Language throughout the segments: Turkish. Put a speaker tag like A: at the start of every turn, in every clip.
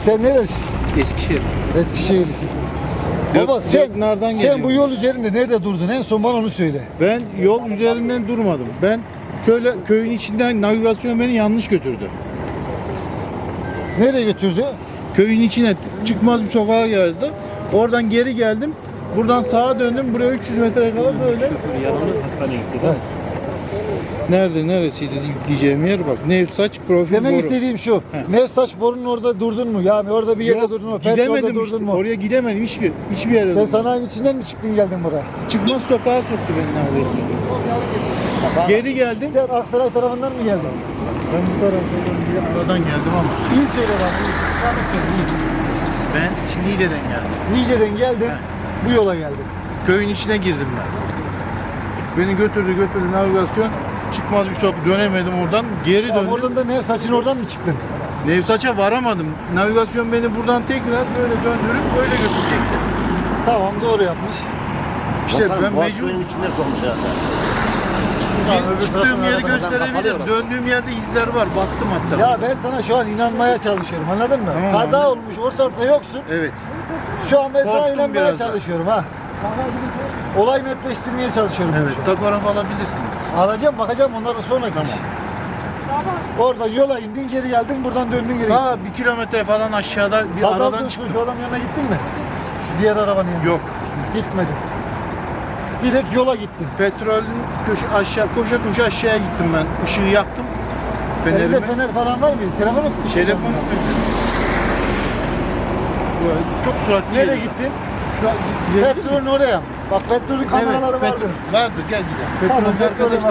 A: Sen nerelisin?
B: Eskişehir.
A: Eskişehirlisin.
B: Gök-
A: Baba
B: Göknar'dan
A: sen
B: geliyorum.
A: bu yol üzerinde nerede durdun? En son bana onu söyle.
B: Ben yol üzerinden durmadım. Ben şöyle köyün içinden navigasyon beni yanlış götürdü.
A: Nereye götürdü?
B: Köyün içine çıkmaz bir sokağa geldi. Oradan geri geldim. Buradan sağa döndüm. Buraya 300 metre kala böyle.
C: Şoför yaralı hastaneye gitti.
A: Evet.
B: Neresiydi yükleyeceğim yer bak. Nevsaç profil
A: Demek
B: boru.
A: istediğim şu.
B: He.
A: Nevsaç borunun orada durdun mu? Yani orada bir yerde
B: Yok,
A: durdun mu? Petrolde
B: gidemedim
A: durdun
B: işte.
A: mu?
B: Oraya gidemedim hiçbir yere.
A: Sen
B: durdum.
A: sanayinin içinden mi çıktın geldin buraya?
B: Çıkmaz sokağa soktu beni neredeyse. Geri geldim.
A: Sen Aksaray tarafından mı geldin?
B: Ben bu taraftan geldim ama.
A: İyi söyle bana. İyi. Sana söyle. İyi.
B: Ben şimdi Niğde'den geldim.
A: Niğde'den geldin. Bu yola geldin.
B: Köyün içine girdim ben. Beni götürdü navigasyon. Çıkmaz bir sokak dönemedim oradan. Geri
A: Tamam,
B: döndüm.
A: oradan da Nevsaç'ın oradan mı çıktın?
B: Nevsaç'a varamadım. Navigasyon beni buradan tekrar böyle döndürüp böyle götürecekti.
A: Tamam, doğru yapmış.
B: İşte
D: Bakalım,
B: ben
D: Boğaz
B: mecbur
D: köyünün içinde solmuş herhalde.
B: çıktığım yeri
D: tarafından
B: gösterebilirim.
D: kapalıyorlar.
B: Döndüğüm yerde izler var. Baktım hatta.
A: Ya ben sana şu an inanmaya çalışıyorum, anladın mı?
B: Tamam,
A: Kaza
B: anladım.
A: olmuş, ortalıkta yoksun.
B: Evet.
A: Şu an ben sana
B: Korktum
A: inanmaya
B: biraz da.
A: çalışıyorum ha. Olay netleştirmeye çalışıyorum.
B: Evet.
A: şu an.
B: Takograf alabilirsiniz.
A: Alacağım, bakacağım ondan sonraki
B: Tamam.
A: iş. Orada yola indin, geri geldin, buradan döndün geri.
B: Daha 1 kilometre falan aşağıda bir
A: Kaza
B: aradan
A: olmuş
B: çıktım.
A: şu adam yanına gittin mi? Şu diğer arabanın yanına.
B: Yok.
A: Gitmedim. Direkt yola gittin.
B: Petrolün koşa aşağıya gittim ben. Işığı yaktım.
A: Elinde
B: Fenerimi.
A: fener falan var mı? Telefonu tutmuş.
B: Telefonu çok süratli
A: Nereye
B: geliyor.
A: gittin?
B: Şu an
A: Petrolün oraya. Bak petrolün kameraları
B: evet,
A: vardır.
B: vardır gel gidelim.
A: Tamam,
B: Petrolün
A: petrolün
B: arkadaş.
A: var.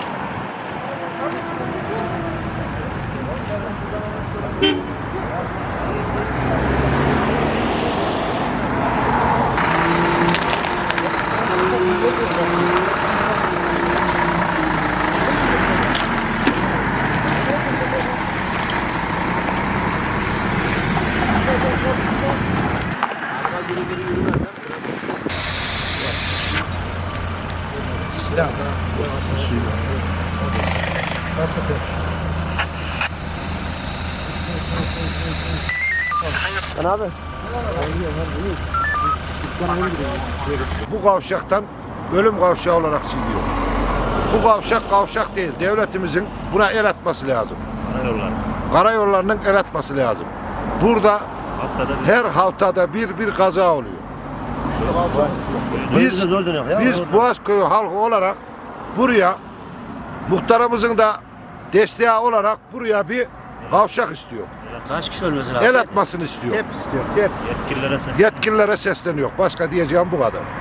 E: Bu kavşaktan ölüm kavşağı olarak çiziyor. Bu kavşak değil. Devletimizin buna el atması lazım.
C: Karayollar.
E: Karayollarının el atması lazım. Burada
C: Haftada bir
E: her haftada bir kaza oluyor.
D: Biz
E: Biz,
D: zor dönüyor ya.
E: biz Boğazköy halkı olarak buraya muhtarımızın da desteği olarak buraya bir kavşak istiyor.
C: kaç kişi ölmesi lazım?
E: El atmasını istiyor.
B: Hep istiyor. Hep.
C: Yetkililere ses.
E: Yetkililere sesleniyor. Başka diyeceğim bu kadar.